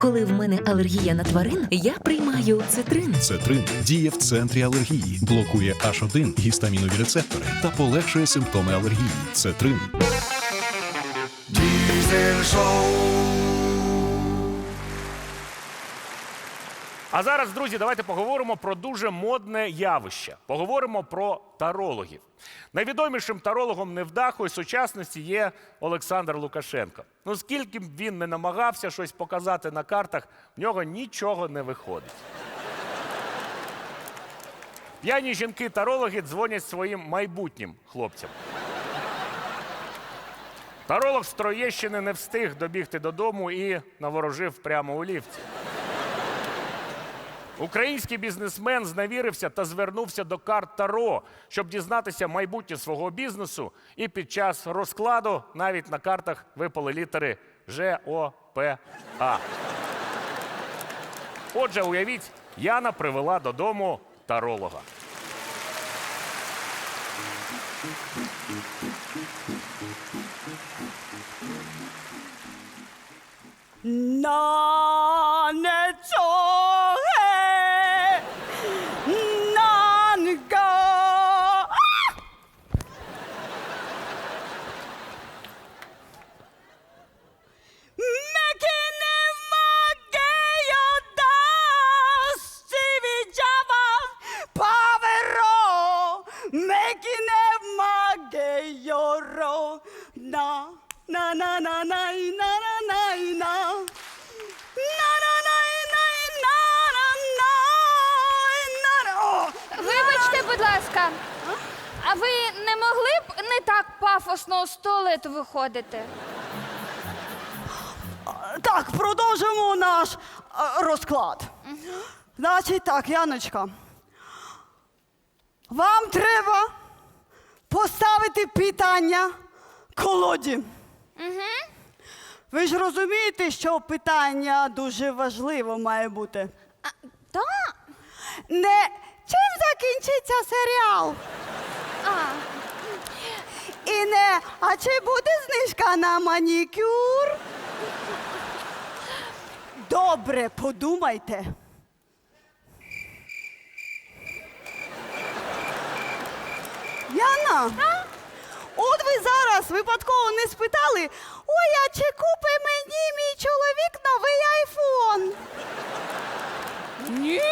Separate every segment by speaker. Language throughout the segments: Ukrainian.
Speaker 1: Коли в мене алергія на тварин, я приймаю цитрин.
Speaker 2: Цетрин діє в центрі алергії, блокує H1 гістамінові рецептори та полегшує симптоми алергії. Цетрин.
Speaker 3: Diesel Show.
Speaker 4: А зараз, друзі, давайте поговоримо про дуже модне явище. Поговоримо про тарологів. Найвідомішим тарологом невдахою сучасності є Олександр Лукашенко. Ну, скільки б він не намагався щось показати на картах, в нього нічого не виходить. П'яні жінки-тарологи дзвонять своїм майбутнім хлопцям. Таролог з Троєщини не встиг добігти додому і наворожив прямо у ліфті. Український бізнесмен зневірився та звернувся до карт Таро, щоб дізнатися майбутнє свого бізнесу, і під час розкладу навіть на картах випали літери Ж, О, П, А. Отже, уявіть, Яна привела додому таролога.
Speaker 5: 나는 좋아해 나는 가 맥히는 막게요다 시비 잡아 바베로 맥히는 막게요로 나나나나이나나나이나
Speaker 6: Вибачте, будь ласка, а ви не могли б не так пафосно з туалету виходити?
Speaker 5: Так, продовжимо наш розклад. Значить так, Яночка. Вам треба поставити питання колоді. Ви ж розумієте, що питання дуже важливо має бути.
Speaker 6: Так.
Speaker 5: Не чим закінчиться серіал? І не, а чи буде знижка на манікюр? Добре, подумайте. Яна, от ви зараз випадково не спитали, ой, а чи купить мені мій чоловік новий айфон?
Speaker 6: Ні.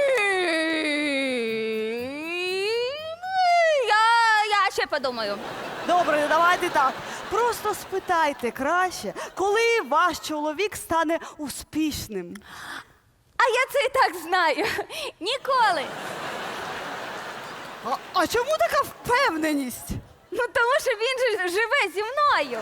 Speaker 6: Я ще подумаю.
Speaker 5: Добре, давайте так. Просто спитайте краще, коли ваш чоловік стане успішним.
Speaker 6: А я це і так знаю. Ніколи.
Speaker 5: А чому така впевненість?
Speaker 6: Ну, тому що він же живе зі мною.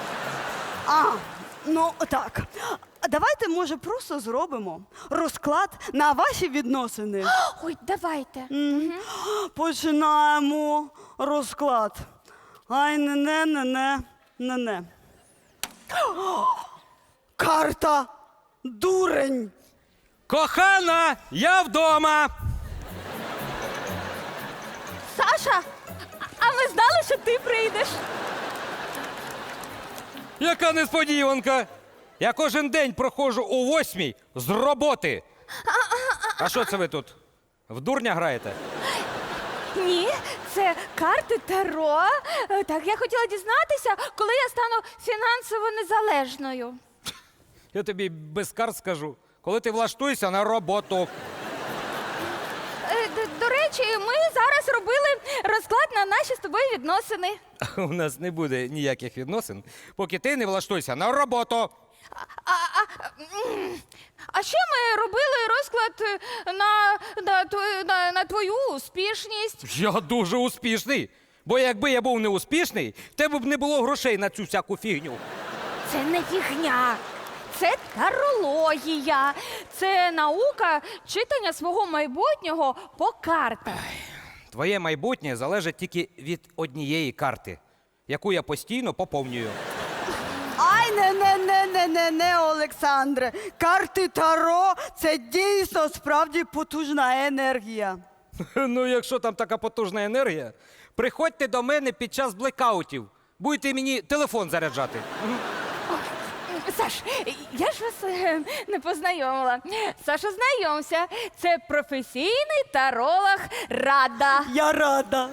Speaker 5: Ну так. Давайте, може, просто зробимо розклад на ваші відносини.
Speaker 6: Ой, давайте.
Speaker 5: Починаємо розклад. Ай, не. Карта дурень.
Speaker 7: Кохана, я вдома.
Speaker 6: Саша, а ми знали, що ти прийдеш.
Speaker 7: Яка несподіванка. Я кожен день проходжу о 8:00 з роботи. А що це ви тут? В дурня граєте?
Speaker 6: Ні, це карти Таро. Так, я хотіла дізнатися, коли я стану фінансово незалежною.
Speaker 7: Я тобі без карт скажу. Коли ти влаштуєшся на роботу.
Speaker 6: До речі, ми зараз робили розклад на наші з тобою відносини.
Speaker 7: У нас не буде ніяких відносин, поки ти не влаштуєшся на роботу.
Speaker 6: А ще ми робили розклад на твою успішність.
Speaker 7: Я дуже успішний. Бо якби я був неуспішний, в тебе б не було грошей на цю всяку фігню.
Speaker 6: Це не фігня. Це тарологія. Це наука читання свого майбутнього по картах.
Speaker 7: Твоє майбутнє залежить тільки від однієї карти, яку я постійно поповнюю.
Speaker 5: Ай, не, Олександре. Карти Таро – це дійсно справді потужна енергія.
Speaker 7: Ну, якщо там така потужна енергія, приходьте до мене під час блекаутів. Будете мені телефон заряджати.
Speaker 6: Саш, я ж вас не познайомила. Саша, знайомся. Це професійний таролог Рада.
Speaker 5: Я рада.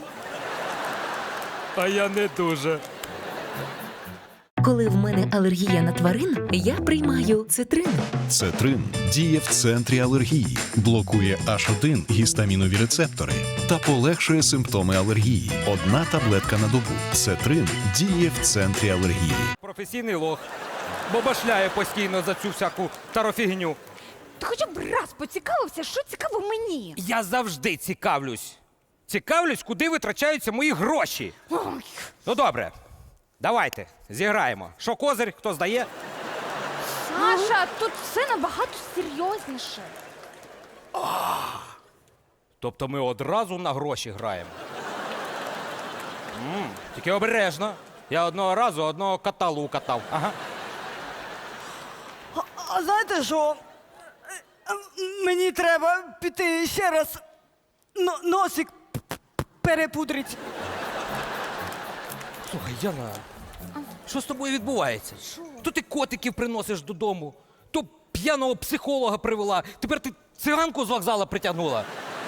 Speaker 7: А я не дуже.
Speaker 1: Коли в мене алергія на тварин, я приймаю цитрин.
Speaker 2: Цетрин діє в центрі алергії, блокує H1 гістамінові рецептори та полегшує симптоми алергії. Одна таблетка на добу. Цетрин діє в центрі алергії.
Speaker 7: Професійний лох. Бо башляє постійно за цю всяку тарофігню.
Speaker 6: Ти хоча б раз поцікавився, що цікаво мені.
Speaker 7: Я завжди цікавлюсь. Цікавлюсь, куди витрачаються мої гроші.
Speaker 6: Ой.
Speaker 7: Ну добре, давайте, зіграємо. Що козир, хто здає?
Speaker 6: Саша, тут все набагато серйозніше.
Speaker 7: Тобто ми одразу на гроші граємо. Тільки обережно. Я одного разу одного кота лукатав. Ага.
Speaker 5: А знаєте що? Мені треба піти ще раз носик перепудрить.
Speaker 7: Слухай, Яна, що з тобою відбувається? То ти котиків приносиш додому, то п'яного психолога привела, тепер ти циганку з вокзала притягнула.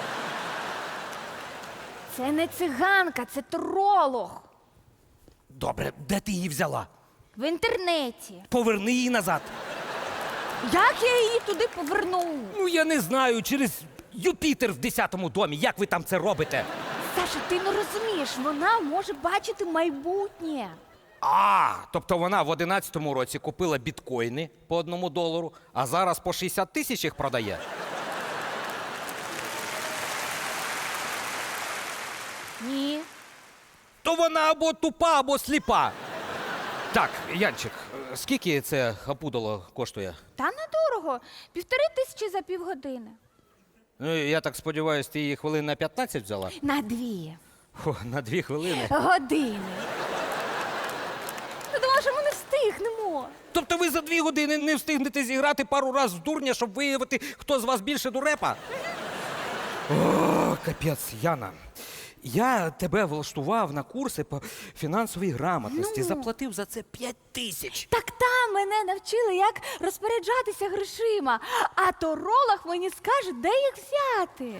Speaker 6: Це не циганка, це таролог.
Speaker 7: Добре, де ти її взяла?
Speaker 6: В інтернеті.
Speaker 7: Поверни її назад.
Speaker 6: Як я її туди поверну?
Speaker 7: Ну, я не знаю, через Юпітер в 10-му домі. Як ви там це робите?
Speaker 6: Саша, ти не розумієш, вона може бачити майбутнє.
Speaker 7: Тобто вона в 11-му році купила біткоїни по $1, а зараз по 60 тисяч їх продає.
Speaker 6: Ні.
Speaker 7: То вона або тупа, або сліпа. Так, Янчик, скільки це опудало коштує?
Speaker 6: Та недорого. 1500 за півгодини.
Speaker 7: Ну, я так сподіваюся, ти її хвилин на 15 взяла?
Speaker 6: На 2
Speaker 7: О, на 2 хвилини.
Speaker 6: години. Ти думала, що ми не встигнемо.
Speaker 7: Тобто ви за 2 години не встигнете зіграти пару раз в дурня, щоб виявити, хто з вас більше дурепа? О, капець, Яна. Я тебе влаштував на курси по фінансовій грамотності. Заплатив за це 5000.
Speaker 6: Так там мене навчили, як розпоряджатися грошима, а таролог мені скаже, де їх взяти.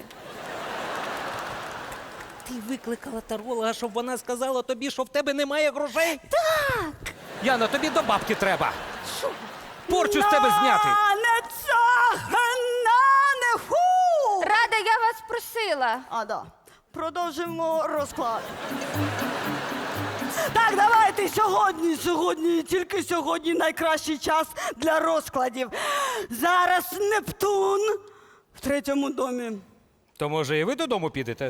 Speaker 7: Ти викликала таролога, щоб вона сказала тобі, що в тебе немає грошей?
Speaker 6: Так.
Speaker 7: Яна, тобі до бабки треба. Порчу з тебе зняти.
Speaker 5: Не цах, не ху!
Speaker 6: Рада, я вас просила.
Speaker 5: Да. Продовжимо розклад. Так, давайте сьогодні, тільки сьогодні найкращий час для розкладів. Зараз Нептун в 3-му домі.
Speaker 7: То може і ви додому підете?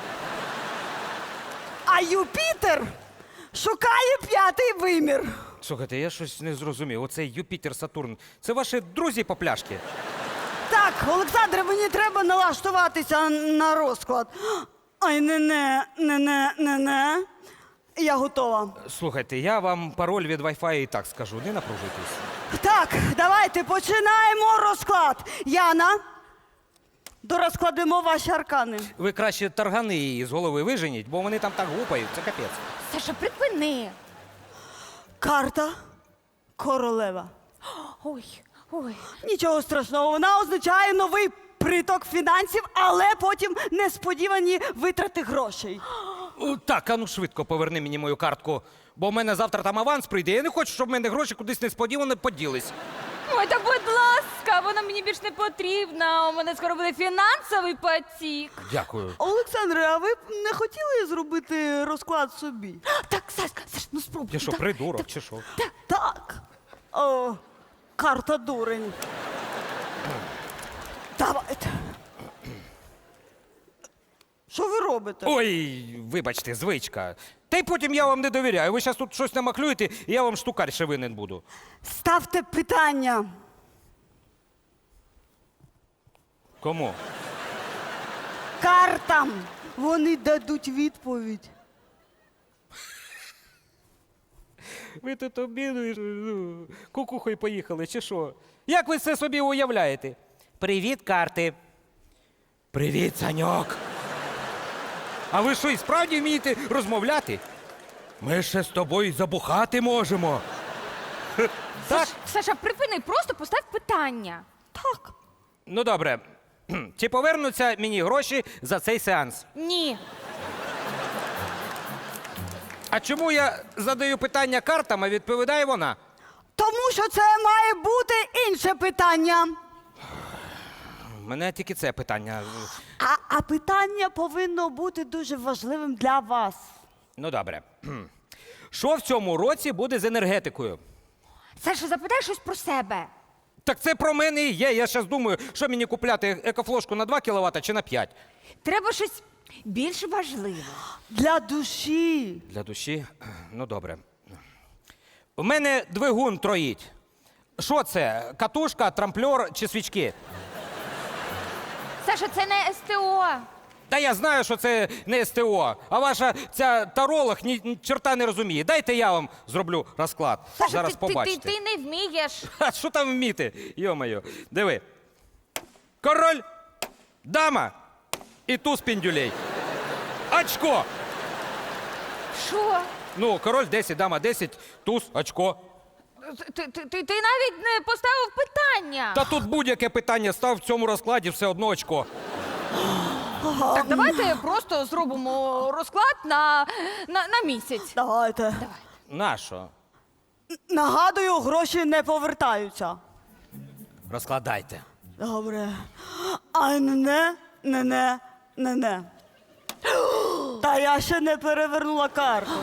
Speaker 5: А Юпітер шукає 5-й вимір.
Speaker 7: Слухайте, я щось не зрозумів. Оцей Юпітер, Сатурн, це ваші друзі по пляшки?
Speaker 5: Так, Олександре, мені треба налаштуватися на розклад. Ай, не. Я готова.
Speaker 7: Слухайте, я вам пароль від Wi-Fi і так скажу, не напружуйтесь.
Speaker 5: Так, давайте починаємо розклад. Яна, дорозкладемо ваші аркани.
Speaker 7: Ви краще таргани її з голови виженіть, бо вони там так гупають, це капець.
Speaker 6: Саша, припини.
Speaker 5: Карта королева.
Speaker 6: Ой.
Speaker 5: Нічого страшного, вона означає новий приток фінансів, але потім несподівані витрати грошей.
Speaker 7: О, так, а ну швидко поверни мені мою картку, бо в мене завтра там аванс прийде. Я не хочу, щоб в мене гроші кудись несподівано поділись.
Speaker 6: Ой, та будь ласка, вона мені більш не потрібна. У мене скоро буде фінансовий потік.
Speaker 7: Дякую.
Speaker 5: Олександре, а ви б не хотіли зробити розклад собі?
Speaker 6: Так, Саш, ну спробуй.
Speaker 7: Я що,
Speaker 6: так,
Speaker 7: придурок чи що?
Speaker 5: Так. О, карта дурень. Давайте. Що ви робите?
Speaker 7: Ой, вибачте, звичка. Та й потім я вам не довіряю. Ви зараз тут щось намахлюєте, і я вам штукар ще винен буду.
Speaker 5: Ставте питання.
Speaker 7: Кому?
Speaker 5: Картам. Вони дадуть відповідь.
Speaker 7: Ви тут обідуєте, кукухою поїхали, чи що? Як ви це собі уявляєте? Привіт, карти. Привіт, Саньок. А ви що, і справді вмієте розмовляти? Ми ще з тобою забухати можемо. Так?
Speaker 6: Саша, припини, просто постав питання.
Speaker 5: Так.
Speaker 7: Ну добре. Чи повернуться мені гроші за цей сеанс?
Speaker 6: Ні.
Speaker 7: А чому я задаю питання картам, а відповідає вона?
Speaker 5: Тому що це має бути інше питання.
Speaker 7: У мене тільки це питання.
Speaker 5: А питання повинно бути дуже важливим для вас.
Speaker 7: Ну добре. Що в цьому році буде з енергетикою?
Speaker 6: Саша, запитай щось про себе.
Speaker 7: Так це про мене і є. Я зараз думаю, що мені купляти екофлошку на 2 кВт чи на 5?
Speaker 6: Треба щось більш важливе.
Speaker 5: Для душі.
Speaker 7: Для душі? Ну добре. У мене двигун троїть. Що це? Катушка, трамплер чи свічки?
Speaker 6: Саша, це не СТО.
Speaker 7: Та я знаю, що це не СТО, а ваша ця таролог ні чорта не розуміє. Дайте я вам зроблю розклад.
Speaker 6: Саша,
Speaker 7: Зараз
Speaker 6: ти
Speaker 7: побачите.
Speaker 6: не вмієш.
Speaker 7: А що там вміти? Йо-моє. Диви. Король, дама і туз піндюлей. Очко.
Speaker 6: Що?
Speaker 7: Ну, король 10, дама 10, туз, очко.
Speaker 6: Ти навіть не поставив питання.
Speaker 7: Та тут будь-яке питання став в цьому розкладі, все одно очко.
Speaker 6: Так давайте просто зробимо розклад на місяць.
Speaker 5: Давайте.
Speaker 7: Нащо?
Speaker 5: Нагадую, гроші не повертаються.
Speaker 7: Розкладайте.
Speaker 5: Добре. А не. Та я ще не перевернула карту.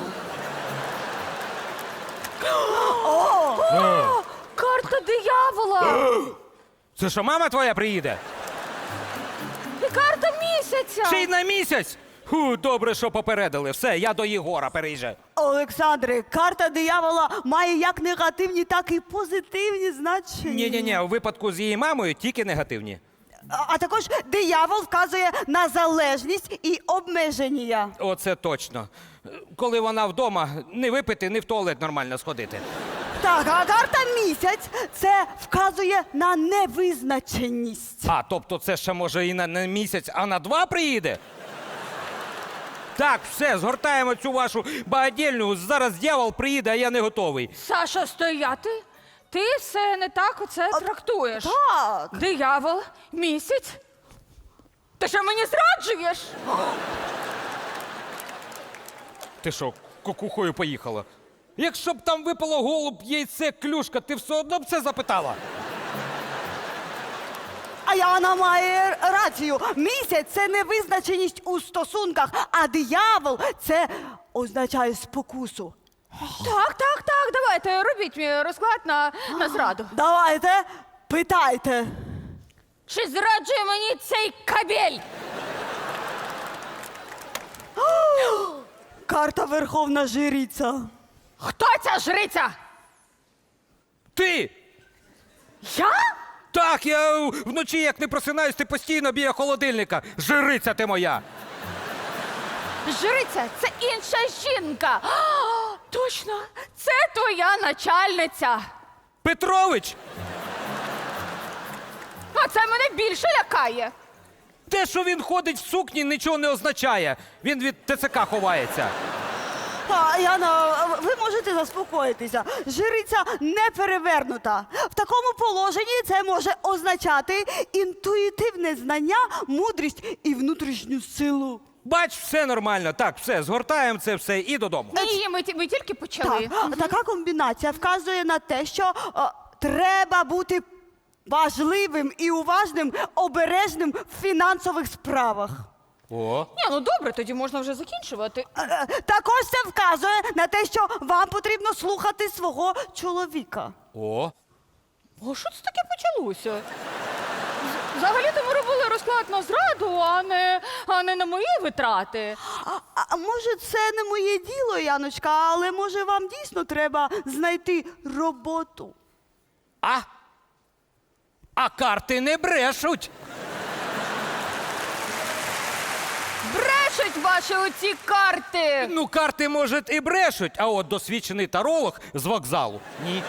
Speaker 6: Карта диявола!
Speaker 7: Це що, мама твоя приїде?
Speaker 6: І карта місяця!
Speaker 7: Ще й на місяць? Ху, добре, що попередили. Все, я до Єгора переїжджаю.
Speaker 5: Олександре, карта диявола має як негативні, так і позитивні значення.
Speaker 7: Ні-ні-ні, у випадку з її мамою тільки негативні.
Speaker 5: А також диявол вказує на залежність і обмеження.
Speaker 7: Оце точно. Коли вона вдома, не випити, не в туалет нормально сходити.
Speaker 5: Так, а карта місяць це вказує на невизначеність.
Speaker 7: А, тобто це ще може і на місяць, а на 2 приїде? Так, все, згортаємо цю вашу багадільню. Зараз дьявол приїде, а я не готовий.
Speaker 6: Саша, стояти? Ти все не так оце трактуєш.
Speaker 5: Так.
Speaker 6: Диявол, місяць. Ти що мені зраджуєш?
Speaker 7: Ти що, кукухою поїхала? Якщо б там випало голуб, яйце, клюшка, ти все одно б це запитала?
Speaker 5: А Яна має рацію. Місяць це невизначеність у стосунках, а диявол це означає спокусу.
Speaker 6: Так, давайте, робіть мій розклад на зраду.
Speaker 5: Давайте, питайте.
Speaker 6: Чи зраджує мені цей кабель?
Speaker 5: Карта Верховна Жриця.
Speaker 6: Хто ця жриця?
Speaker 7: Ти!
Speaker 6: Я?
Speaker 7: Так, я вночі, як не просинаюсь, ти постійно біля холодильника. Жриця ти моя!
Speaker 6: Жриця – це інша жінка. А, точно, це твоя начальниця.
Speaker 7: Петрович!
Speaker 6: А це мене більше лякає.
Speaker 7: Те, що він ходить в сукні, нічого не означає. Він від ТЦК ховається.
Speaker 5: Яна, ви можете заспокоїтися. Жриця не перевернута. В такому положенні це може означати інтуїтивне знання, мудрість і внутрішню силу.
Speaker 7: Бач, все нормально. Так, все, згортаємо це все і додому.
Speaker 6: Ні, ми тільки почали.
Speaker 5: Так, така комбінація вказує на те, що треба бути важливим і уважним, обережним в фінансових справах.
Speaker 7: О.
Speaker 6: Ні, ну добре, тоді можна вже закінчувати.
Speaker 5: Також це вказує на те, що вам потрібно слухати свого чоловіка.
Speaker 7: О.
Speaker 6: О, що це таке почалося? Взагалі-то ми робили розклад на зраду, а не на мої витрати.
Speaker 5: А може, це не моє діло, Яночка, але може вам дійсно треба знайти роботу?
Speaker 7: А карти не брешуть.
Speaker 6: Брешуть ваші оці карти!
Speaker 7: Ну, карти, може, і брешуть, а от досвідчений таролог з вокзалу. Ні.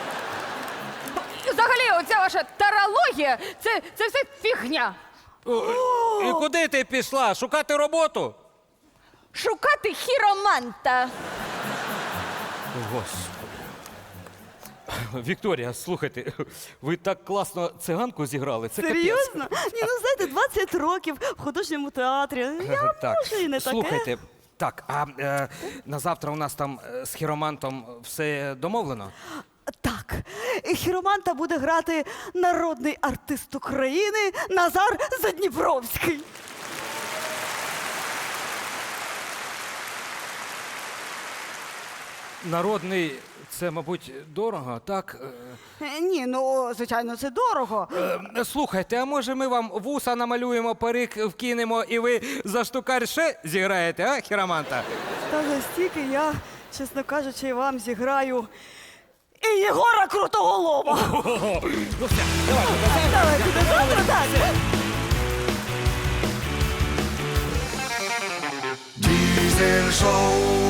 Speaker 6: Взагалі, оця ваша тарологія – це все фігня.
Speaker 7: І куди ти пішла? Шукати роботу?
Speaker 6: Шукати хіроманта.
Speaker 7: Господи. Вікторія, слухайте, ви так класно циганку зіграли. Це капець.
Speaker 5: Серйозно? Ні, ну знаєте, 20 років в художньому театрі. Я
Speaker 7: Так,
Speaker 5: можу і не таке.
Speaker 7: слухайте, так, а на завтра у нас там з хіромантом все домовлено?
Speaker 5: Так, хіроманта буде грати народний артист України Назар Задніпровський.
Speaker 7: Народний, це, мабуть, дорого, так?
Speaker 5: Ні, ну, звичайно, це дорого.
Speaker 7: Слухайте, а може ми вам вуса намалюємо, парик вкинемо і ви за штукар ще зіграєте, а, хіроманта?
Speaker 5: Та за стільки я, чесно кажучи, вам зіграю і Єгора Крутоголова.
Speaker 7: Ну все, давайте.
Speaker 5: Давайте до завтра, так.
Speaker 3: Diesel Show.